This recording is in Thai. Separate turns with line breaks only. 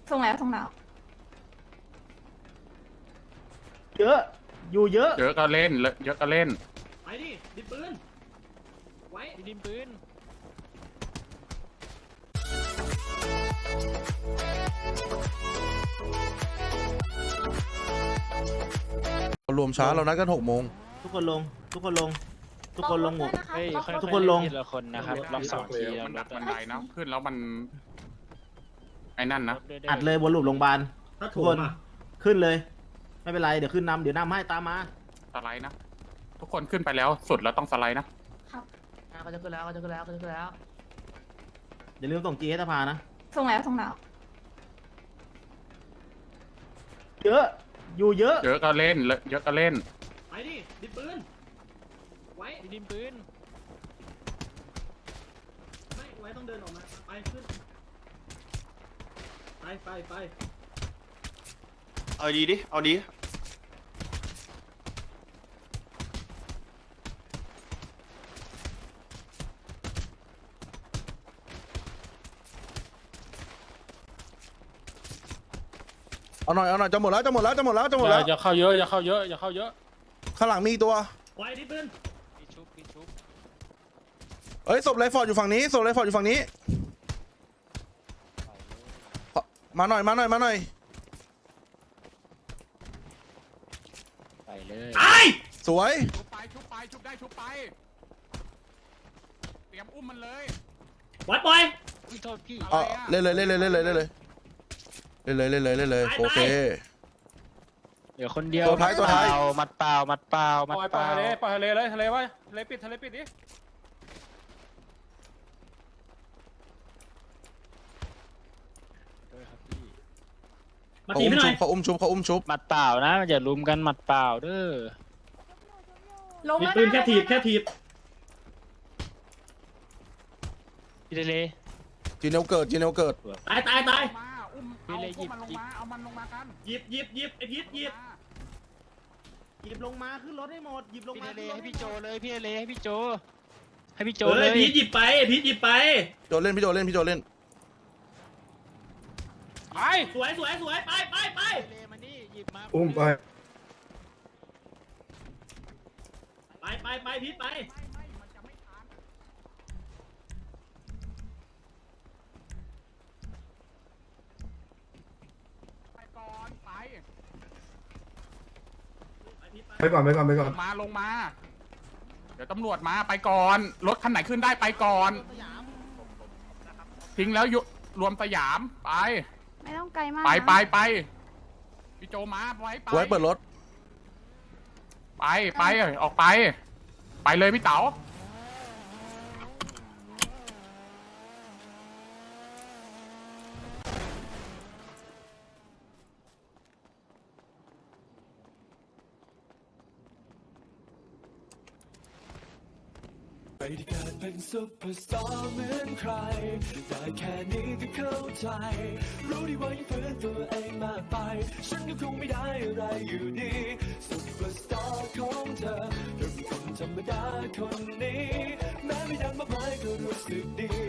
ส่งแล้วส่งแล้ว
เยอะอยู่เยอะ
เยอะก็เล่นเยอะก็เล่น
ไปดิดิปืนไว้ดิปืน
รวมช้าเรานัดกัน6 โมง
ทุกคนลงทุกคนลงทุกคนลงหมด
เฮ้ย
ทุกคนลง
ทีละคนนะครับลอง2 ทีแล้ว
มันดักบันไดนะขึ้นแล้วมันไอ้นั่นนะ
อัดเลยบนหลุมโรงพยาบาล
ถ้า
ทุ
ถู
ก
ก
คน
มา
ขึ้นเลยไม่เป็นไรเดี๋ยวขึ้นนำเดี๋ยวนำให้ตามมา
สไลด์นะทุกคนขึ้นไปแล้วสุดแล้วต้องสไลด์นะ
ก็จะขึ้นแล้วก็จะขึ้นแล้วก็จะขึ้นแล้ว
อย่าลืมส่งจีให้สภานะ
ส่งแล้วส่งแล้ว
เยอะอยู่เยอะ
เยอะก็เล่นเยอะก็เล่น
ไปดิดิปืนไว้ดิปืนไม่ไว้ต้องเดินออกมาไปขึ้นไป
เอาดีดิเอาดี
เอาหน่อยจะหมดแล้วจะหมดแล้ว
อย่าเข้าเยอะอย่าเข้าเยอะอย่าเข้าเยอะ
ข้างหลังมีอีกตัว
ไว้ดิปืน
เอ้ยศพไรฟอร์ดอยู่ฝั่งนี้มาหน่อย
ไปเลย
สวย
ชุบไปชุบได้ชุบไปเตรียมอุ้มมันเลย
ไว้ปล่อย
โทษพี่
เออเล่นเลยโอเค
เหลือคนเดียว
ตัวท้าย
มัดเปล่า
ปล่อยทะเลเลยทะเลไว้ทะเลปิดดิ
มาตีไม่หน่อย
เขาอุ้มชุบ
มัดเปล่านะอย่าลุมกันมัดเปล่าเด้อ
ลง
ดิ
แล้ว
ปืน
นะ
แค่ถีบพี่ทะเล
จีเนลเกิด
ตาย
มาอุ้ม
พี่เลยหยิบ
มันลงมาเอามันลงมากัน
หยิบไอ้พีทหยิบ
หยิบลงมาขึ้นรถให้หมดหยิบลง
พี่
มา
ทะเล
ขึ้นรถ
ให้พี่โจเลยพี่ทะเลให้พี่โจเล
เฮ้
ย
ยพีทหยิบไปพีทหยิบไป
พี่โจเล่น
ไป
ไป
สวยไป
ทะเลมานี่หยิบมา
อุ้มไป
ไปพีทไป
ไปก่อนไป
ไปก่อน
ลงมา เดี๋ยวตำรวจมาไปก่อนรถคันไหนขึ้นได้ไปก่อนทิ้งแล้วรวมสยามไป
ไม่ต้องไกลมาก
ไปพี่โจมาไว้ไป
ไว้เปิดรถ
ไปออกไปเลยพี่เต๋า
ไม่ได้เกิดเป็นซุปเปอร์สตาร์เหมือนใครได้แค่นี้ก็เข้าใจรู้ดีว่ายังฝืนตัวเองมากไปฉันก็คงไม่ได้อะไรอยู่ดีซุปเปอร์สตาร์ของเธอเธอเป็นคนธรรมดาคนนี้แม้ไม่ดังมากมายก็รู้สึกดี